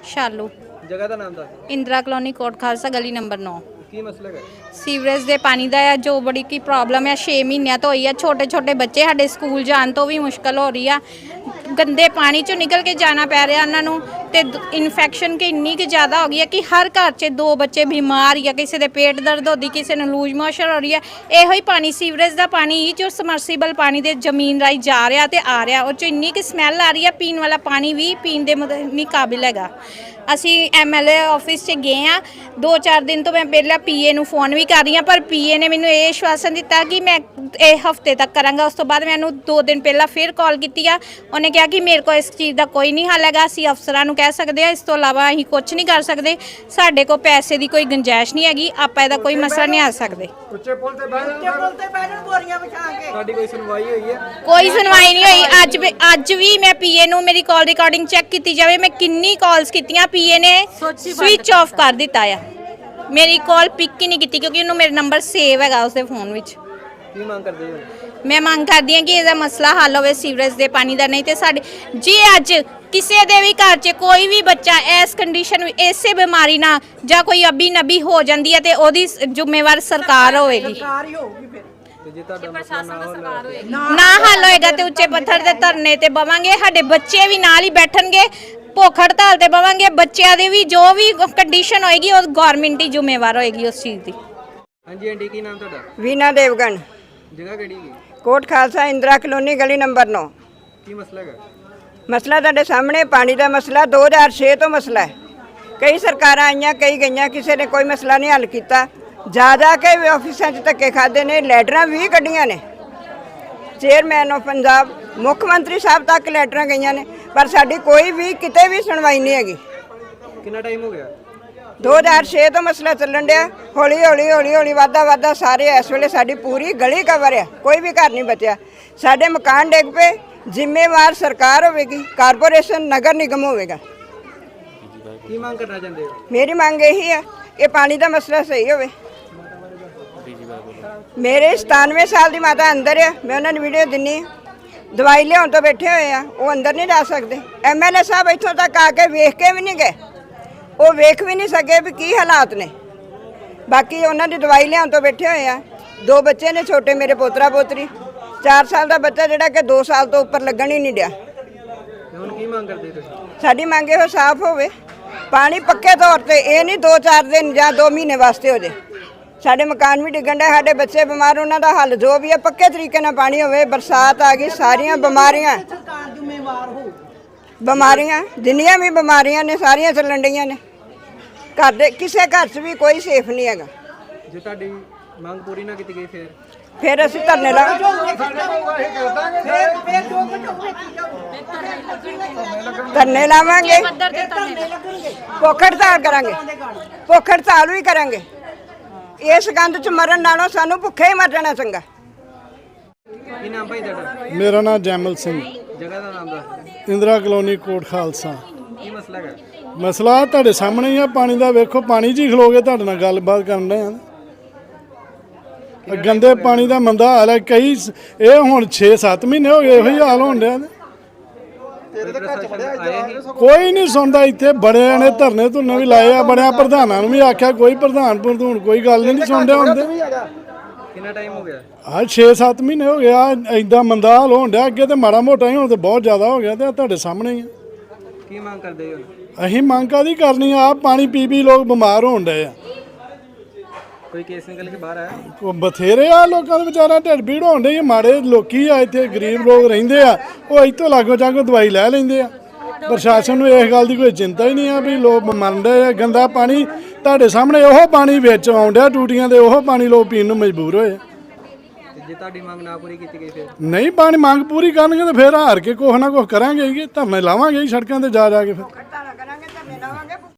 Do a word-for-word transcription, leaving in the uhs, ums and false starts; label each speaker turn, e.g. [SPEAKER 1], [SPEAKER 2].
[SPEAKER 1] शालू
[SPEAKER 2] जगह का नाम दस।
[SPEAKER 1] इंदिरा कॉलोनी कोट खालसा गली नंबर नौ।
[SPEAKER 2] की मसला है?
[SPEAKER 1] ਸੀਵਰੇਜ ਦੇ ਪਾਣੀ ਦਾ ਹੈ ਜੋ ਬੜੀ ਕੀ ਪ੍ਰੋਬਲਮ ਹੈ। ਛੇ ਮਹੀਨਿਆਂ ਤੋਂ ਹੋਈ ਹੈ। ਛੋਟੇ ਛੋਟੇ ਬੱਚੇ ਸਾਡੇ ਸਕੂਲ ਜਾਣ ਤੋਂ ਵੀ ਮੁਸ਼ਕਲ ਹੋ ਰਹੀ ਆ। ਗੰਦੇ ਪਾਣੀ ਚੋਂ ਨਿਕਲ ਕੇ ਜਾਣਾ ਪੈ ਰਿਹਾ ਉਹਨਾਂ ਨੂੰ ਤੇ ਇਨਫੈਕਸ਼ਨ ਕਿ ਇੰਨੀ ਕਿ ਜ਼ਿਆਦਾ ਹੋ ਗਈ ਹੈ ਕਿ ਹਰ ਘਰ 'ਚ ਦੋ ਬੱਚੇ ਬਿਮਾਰ ਜਾਂ ਕਿਸੇ ਦੇ ਪੇਟ ਦਰਦ ਹੋਦੀ, ਕਿਸੇ ਨੂੰ ਲੂਜ ਮੋਸ਼ਨ ਹੋ ਰਹੀ ਹੈ। ਇਹੋ ਹੀ ਪਾਣੀ ਸੀਵਰੇਜ ਦਾ ਪਾਣੀ ਹੀ ਜੋ ਸਮਰਸੀਬਲ ਪਾਣੀ ਦੇ ਜ਼ਮੀਨ ਰਾਹੀਂ ਜਾ ਰਿਹਾ ਤੇ ਆ ਰਿਹਾ, ਉਹ 'ਚ ਇੰਨੀ ਕਿ ਸਮੈਲ ਆ ਰਹੀ ਹੈ। ਪੀਣ ਵਾਲਾ ਪਾਣੀ ਵੀ ਪੀਣ ਦੇ ਨਹੀਂ ਕਾਬਿਲ ਹੈਗਾ। ਅਸੀਂ ਐਮ ਐਲ ਏ ਆਫਿਸ 'ਚ ਗਏ ਹਾਂ। ਦੋ ਚਾਰ ਦਿਨ ਤੋਂ ਮੈਂ ਪਹਿਲਾਂ ਪੀਏ ਨੂੰ ਫੋਨ ਵੀ ਕਰ ਰਹੀ ਹਾਂ, ਪਰ ਪੀਏ ਨੇ ਮੈਨੂੰ ਇਹ ਆਸ਼ਵਾਸਨ ਦਿੱਤਾ ਕਿ ਮੈਂ ਇਹ ਹਫਤੇ ਤੱਕ ਕਰਾਂਗਾ। ਉਸ ਤੋਂ ਬਾਅਦ ਮੈਨੂੰ ਦੋ ਦਿਨ ਪਹਿਲਾਂ ਫਿਰ ਕਾਲ ਕੀਤੀ ਆ। ਉਹਨੇ ਕਿਹਾ ਕਿ ਮੇਰੇ ਕੋਲ ਇਸ ਚੀਜ਼ ਦਾ ਕੋਈ ਨਹੀਂ ਹੱਲ ਹੈਗਾ, ਅਸੀਂ ਅਫਸਰਾਂ ਨੂੰ ਕਹਿ ਸਕਦੇ ਹਾਂ, ਇਸ ਤੋਂ ਇਲਾਵਾ ਅਸੀਂ ਕੁਝ ਨਹੀਂ ਕਰ ਸਕਦੇ। ਸਾਡੇ ਕੋਲ ਪੈਸੇ ਦੀ ਕੋਈ ਗੁੰਜਾਇਸ਼ ਨਹੀਂ ਹੈਗੀ, ਆਪਾਂ ਇਹਦਾ ਕੋਈ ਮਸਲਾ ਨਹੀਂ ਆ ਸਕਦੇ।
[SPEAKER 2] ਉੱਚੇ ਪੁਲ ਤੇ ਬਹਿ ਉੱਚੇ ਪੁਲ ਤੇ ਬਹਿ ਜਾਣ ਬੋਰੀਆਂ ਵਿਛਾ ਕੇ। ਸਾਡੀ ਕੋਈ ਸੁਣਵਾਈ ਹੋਈ ਹੈ?
[SPEAKER 1] ਕੋਈ ਸੁਣਵਾਈ ਨਹੀਂ ਹੋਈ। ਅੱਜ ਵੀ ਅੱਜ ਵੀ ਮੈਂ ਪੀਏ ਨੂੰ ਮੇਰੀ ਕਾਲ ਰਿਕਾਰਡਿੰਗ ਚੈੱਕ ਕੀਤੀ ਜਾਵੇ। ਮੈਂ ਕਿੰਨੀ ਕਾਲਸ ਕੀਤੀਆਂ, ਪੀਏ ਨੇ ਸਵਿਚ ਆਫ ਕਰ ਦਿੱਤਾ ਆ। ਮੇਰੀ ਕਾਲ ਪਿਕ ਹੀ ਨਹੀਂ ਕੀਤੀ ਕਿਉਂਕਿ ਉਹਨੂੰ ਮੇਰਾ ਨੰਬਰ ਸੇਵ ਹੈਗਾ ਉਸਦੇ ਫੋਨ ਵਿੱਚ।
[SPEAKER 2] ਕੀ ਮੰਗ ਕਰਦੇ ਹੋ?
[SPEAKER 1] ਮੈਂ ਮੰਗ ਕਰਦੀ ਹਾਂ ਕਿ ਇਹਦਾ ਮਸਲਾ ਹੱਲ ਹੋਵੇ ਸੀਵਰੇਜ ਦੇ ਪਾਣੀ ਦਾ। ਨਹੀਂ ਤੇ ਸਾਡੇ ਜੇ ਅੱਜ ਕਿਸੇ ਦੇ ਵੀ ਘਰ 'ਚ ਕੋਈ ਵੀ ਬੱਚਾ ਇਸ ਕੰਡੀਸ਼ਨ ਇਸੇ ਬਿਮਾਰੀ ਨਾਲ ਜਾਂ ਕੋਈ ਅਬੀ ਨਬੀ ਹੋ ਜਾਂਦੀ ਹੈ ਤੇ ਉਹਦੀ ਜ਼ਿੰਮੇਵਾਰ ਸਰਕਾਰ ਹੋਵੇਗੀ।
[SPEAKER 2] ਜੇ ਤੁਹਾਡਾ ਮਸਲਾ ਨਾ ਹੋਵੇ
[SPEAKER 1] ਨਾ ਹੱਲ ਹੋਏਗਾ ਤੇ ਉੱਚੇ ਪੱਥਰ ਦੇ ਧਰਨੇ ਤੇ ਬਵਾਂਗੇ। ਸਾਡੇ ਬੱਚੇ ਵੀ ਨਾਲ ਹੀ ਬੈਠਣਗੇ। ਭੁੱਖ ਹੜਤਾਲ ਤੇ ਬਵਾਂਗੇ। ਬੱਚਿਆਂ ਦੀ ਵੀ ਜੋ ਵੀ ਕੰਡੀਸ਼ਨ ਹੋਏਗੀ ਉਹ ਗਵਰਨਮੈਂਟ ਹੀ ਜ਼ਿੰਮੇਵਾਰ ਹੋਏਗੀ ਉਸ ਚੀਜ਼ ਦੀ।
[SPEAKER 2] ਹਾਂਜੀ ਆਂਟੀ, ਕੀ ਨਾਮ ਤੁਹਾਡਾ?
[SPEAKER 3] ਵੀਨਾ ਦੇਵਗਨ,
[SPEAKER 2] ਜਗ੍ਹਾ ਕਿਹੜੀ ਹੈ?
[SPEAKER 3] ਕੋਟ ਖਾਲਸਾ ਇੰਦਰਾ ਕਲੋਨੀ ਗਲੀ ਨੰਬਰ ਨੌ।
[SPEAKER 2] ਕੀ ਮਸਲਾ ਹੈ?
[SPEAKER 3] ਮਸਲਾ ਤੁਹਾਡੇ ਸਾਹਮਣੇ ਪਾਣੀ ਦਾ ਮਸਲਾ ਦੋ ਹਜ਼ਾਰ ਛੇ ਤੋਂ ਮਸਲਾ ਹੈ। ਕਈ ਸਰਕਾਰਾਂ ਆਈਆਂ, ਕਈ ਗਈਆਂ, ਕਿਸੇ ਨੇ ਕੋਈ ਮਸਲਾ ਨਹੀਂ ਹੱਲ ਕੀਤਾ। ਜਾ ਜਾ ਕੇ ਵੀ ਆਫਿਸਾਂ 'ਚ ਧੱਕੇ ਖਾਦੇ ਨੇ। ਲੈਟਰਾਂ ਵੀ ਕੱਢੀਆਂ ਨੇ। ਚੇਅਰਮੈਨ ਆਫ ਪੰਜਾਬ, ਮੁੱਖ ਮੰਤਰੀ ਸਾਹਿਬ ਤੱਕ ਲੈਟਰਾਂ ਗਈਆਂ ਨੇ, ਪਰ ਸਾਡੀ ਕੋਈ ਵੀ ਕਿਤੇ ਵੀ ਸੁਣਵਾਈ ਨਹੀਂ ਹੈਗੀ।
[SPEAKER 2] ਕਿੰਨਾ ਟਾਈਮ ਹੋ ਗਿਆ?
[SPEAKER 3] ਦੋ ਹਜ਼ਾਰ ਛੇ ਤੋਂ ਮਸਲਾ ਚੱਲਣ ਡਿਆ। ਹੌਲੀ ਹੌਲੀ ਹੌਲੀ ਹੌਲੀ ਵਾਧਾ ਵਾਧਾ ਸਾਰੇ ਇਸ ਵੇਲੇ ਸਾਡੀ ਪੂਰੀ ਗਲੀ ਕਵਰ ਆ, ਕੋਈ ਵੀ ਘਰ ਨਹੀਂ ਬਚਿਆ। ਸਾਡੇ ਮਕਾਨ ਡਿੱਗ ਪਏ। ਜ਼ਿੰਮੇਵਾਰ ਸਰਕਾਰ ਹੋਵੇਗੀ, ਕਾਰਪੋਰੇਸ਼ਨ, ਨਗਰ ਨਿਗਮ ਹੋਵੇਗਾ।
[SPEAKER 2] ਕੀ ਮੰਗ ਕਰਨਾ ਚਾਹੁੰਦੇ ਹੋ?
[SPEAKER 3] ਮੇਰੀ ਮੰਗ ਇਹੀ ਆ ਕਿ ਪਾਣੀ ਦਾ ਮਸਲਾ ਸਹੀ ਹੋਵੇ। ਮੇਰੇ ਸਤਾਨਵੇਂ ਸਾਲ ਦੀ ਮਾਤਾ ਅੰਦਰ ਆ, ਮੈਂ ਉਹਨਾਂ ਨੂੰ ਵੀਡੀਓ ਦਿੰਨੀ ਆ। ਦਵਾਈ ਲਿਆਉਣ ਤੋਂ ਬੈਠੇ ਹੋਏ ਆ, ਉਹ ਅੰਦਰ ਨਹੀਂ ਜਾ ਸਕਦੇ। ਐਮ ਐਲ ਏ ਸਾਹਿਬ ਇੱਥੋਂ ਤੱਕ ਆ ਕੇ ਵੇਖ ਕੇ ਵੀ ਨਹੀਂ ਗਏ। ਉਹ ਵੇਖ ਵੀ ਨਹੀਂ ਸਕੇ ਵੀ ਕੀ ਹਾਲਾਤ ਨੇ। ਬਾਕੀ ਉਹਨਾਂ ਦੀ ਦਵਾਈ ਲਿਆਉਣ ਤੋਂ ਬੈਠੇ ਹੋਏ ਆ। ਦੋ ਬੱਚੇ ਨੇ ਛੋਟੇ, ਮੇਰੇ ਪੋਤਰਾ ਪੋਤਰੀ। ਚਾਰ ਸਾਲ ਦਾ ਬੱਚਾ ਜਿਹੜਾ ਕਿ ਦੋ ਸਾਲ ਤੋਂ ਉੱਪਰ ਲੱਗਣ ਹੀ ਨਹੀਂ ਡਿਆ।
[SPEAKER 2] ਹੁਣ ਕੀ ਮੰਗ ਕਰਦੇ ਤੁਸੀਂ?
[SPEAKER 3] ਸਾਡੀ ਮੰਗ ਇਹੋ ਸਾਫ਼ ਹੋਵੇ, ਪਾਣੀ ਪੱਕੇ ਤੌਰ ਤੇ, ਇਹ ਨਹੀਂ ਦੋ ਚਾਰ ਦਿਨ ਜਾਂ ਦੋ ਮਹੀਨੇ ਵਾਸਤੇ ਹੋ ਜੇ। ਸਾਡੇ ਮਕਾਨ ਵੀ ਡਿੱਗਣ ਡਿਆ, ਸਾਡੇ ਬੱਚੇ ਬਿਮਾਰ, ਉਹਨਾਂ ਦਾ ਹੱਲ ਜੋ ਵੀ ਹੈ ਪੱਕੇ ਤਰੀਕੇ ਨਾਲ ਪਾਣੀ ਹੋਵੇ। ਬਰਸਾਤ ਆ ਗਈ, ਸਾਰੀਆਂ ਬਿਮਾਰੀਆਂ ਬਿਮਾਰੀਆਂ ਜਿੰਨੀਆਂ ਵੀ ਬਿਮਾਰੀਆਂ ਨੇ ਸਾਰੀਆਂ ਚੱਲਣ ਡਈਆਂ ਨੇ। ਘਰ ਦੇ ਕਿਸੇ ਘਰ 'ਚ ਵੀ ਕੋਈ ਸੇਫ ਨਹੀਂ ਹੈਗਾ।
[SPEAKER 2] ਜੇ ਤੁਹਾਡੀ ਮੰਗ ਪੂਰੀ ਨਾ ਕੀਤੀ ਗਈ ਫਿਰ
[SPEAKER 3] ਫਿਰ ਅਸੀਂ ਧਰਨੇ ਲਾਵਾਂਗੇ। ਧਰਨੇ ਲਾਵਾਂਗੇ, ਭੁੱਖ ਹੜਤਾਲ ਕਰਾਂਗੇ। ਭੁੱਖ ਹੜਤਾਲ ਵੀ ਕਰਾਂਗੇ। ਇਸ ਗੰਦ 'ਚ ਮਰਨ ਨਾਲੋਂ ਸਾਨੂੰ ਭੁੱਖੇ ਹੀ ਮਰ ਜਾਣਾ ਚੰਗਾ।
[SPEAKER 2] ਕੀ ਨਾਮ ਭਾਈ ਤੁਹਾਡਾ?
[SPEAKER 4] ਮੇਰਾ ਨਾਮ ਜੈਮਲ ਸਿੰਘ,
[SPEAKER 2] ਜਗ੍ਹਾ ਦਾ ਨਾਮ ਦੱਸ।
[SPEAKER 4] ਇੰਦਰਾ ਕਲੋਨੀ ਕੋਟ ਖਾਲਸਾ।
[SPEAKER 2] ਕੀ ਮਸਲਾ ਹੈ?
[SPEAKER 4] ਮਸਲਾ ਤੁਹਾਡੇ ਸਾਹਮਣੇ ਹੀ ਆ ਪਾਣੀ ਦਾ। ਵੇਖੋ ਪਾਣੀ 'ਚ ਹੀ ਖਲੋ ਕੇ ਤੁਹਾਡੇ ਨਾਲ ਗੱਲਬਾਤ ਕਰਨ ਦੇ ਆ। ਗੰਦੇ ਪਾਣੀ ਦਾ ਮੰਦਾ ਹਾਲ ਹੈ। ਕਈ ਇਹ ਹੁਣ ਛੇ ਸੱਤ ਮਹੀਨੇ ਹੋ ਗਏ ਇਹੋ ਹੀ ਹਾਲ ਹੋਣ ਡਿਆ। ਕੋਈ ਨਹੀਂ ਸੁਣਦਾ। ਇੱਥੇ ਬੜਿਆਂ ਨੇ ਧਰਨੇ ਧੁਰਨੇ ਵੀ ਲਾਏ ਆ, ਬੜਿਆਂ ਪ੍ਰਧਾਨਾਂ ਨੂੰ ਵੀ ਆਖਿਆ, ਕੋਈ ਪ੍ਰਧਾਨ ਪ੍ਰਧੂਨ ਕੋਈ ਗੱਲ ਨਹੀਂ ਸੁਣਦੇ ਹੁੰਦੇ।
[SPEAKER 2] ਕਿੰਨਾ ਟਾਈਮ ਹੋ ਗਿਆ?
[SPEAKER 4] ਆ ਛੇ ਸੱਤ ਮਹੀਨੇ ਹੋ ਗਏ ਆ ਏਦਾਂ ਮੰਦਾ ਹਾਲ ਹੋਣ ਡਿਆ। ਅੱਗੇ ਤੇ ਮਾੜਾ ਮੋਟਾ ਹੀ, ਹੁਣ ਤੇ ਬਹੁਤ ਜ਼ਿਆਦਾ ਹੋ ਗਿਆ। ਤੇ ਤੁਹਾਡੇ ਸਾਹਮਣੇ ਹੀ ਆ।
[SPEAKER 2] ਕੀ ਮੰਗ ਕਰਦੇ ਹੋ?
[SPEAKER 4] ਅਸੀਂ ਮੰਗ ਕਾਹਦੀ ਕਰਨੀ ਆ? ਪਾਣੀ ਪੀ ਪੀ ਲੋਕ ਬਿਮਾਰ ਹੋਣ ਡਏ ਆ।
[SPEAKER 2] ਕੋਈ ਕੇਸ ਨਿਕਲ ਕੇ ਬਾਹਰ ਆਇਆ?
[SPEAKER 4] ਉਹ ਬਥੇਰੇ ਆ ਲੋਕਾਂ ਦੇ ਵਿਚਾਰਾ ਢਿੱਡ ਪੀੜ ਹੋਣ ਡਈ। ਮਾੜੇ ਲੋਕੀ ਆ ਇੱਥੇ, ਗਰੀਬ ਲੋਕ ਰਹਿੰਦੇ ਆ, ਉਹ ਇੱਥੋਂ ਲਾਗੋ ਚਾਗੋ ਦਵਾਈ ਲੈ ਲੈਂਦੇ ਆ। ਪ੍ਰਸ਼ਾਸਨ ਨੂੰ ਇਸ ਗੱਲ ਦੀ ਕੋਈ ਚਿੰਤਾ ਹੀ ਨਹੀਂ ਆ ਵੀ ਲੋਕ ਮਰਨ ਡਏ ਆ। ਗੰਦਾ ਪਾਣੀ ਤੁਹਾਡੇ ਸਾਹਮਣੇ, ਉਹ ਪਾਣੀ ਵਿੱਚ ਆਉਣ ਡਿਆ ਟੂਟੀਆਂ ਦੇ, ਉਹ ਪਾਣੀ ਲੋਕ ਪੀਣ ਨੂੰ ਮਜਬੂਰ ਹੋਏ।
[SPEAKER 2] ਜੇ ਤੁਹਾਡੀ ਮੰਗ ਨਾ ਪੂਰੀ ਕੀਤੀ ਗਈ ਫਿਰ?
[SPEAKER 4] ਨਹੀਂ ਪਾਣੀ ਮੰਗ ਪੂਰੀ ਕਰਨਗੇ ਤਾਂ ਫਿਰ ਹਾਰ ਕੇ ਕੁਛ ਨਾ ਕੁਛ ਕਰਾਂਗੇ। ਧਰਨੇ ਲਾਵਾਂਗੇ ਸੜਕਾਂ ਤੇ ਜਾ ਜਾ ਕੇ ਫਿਰ।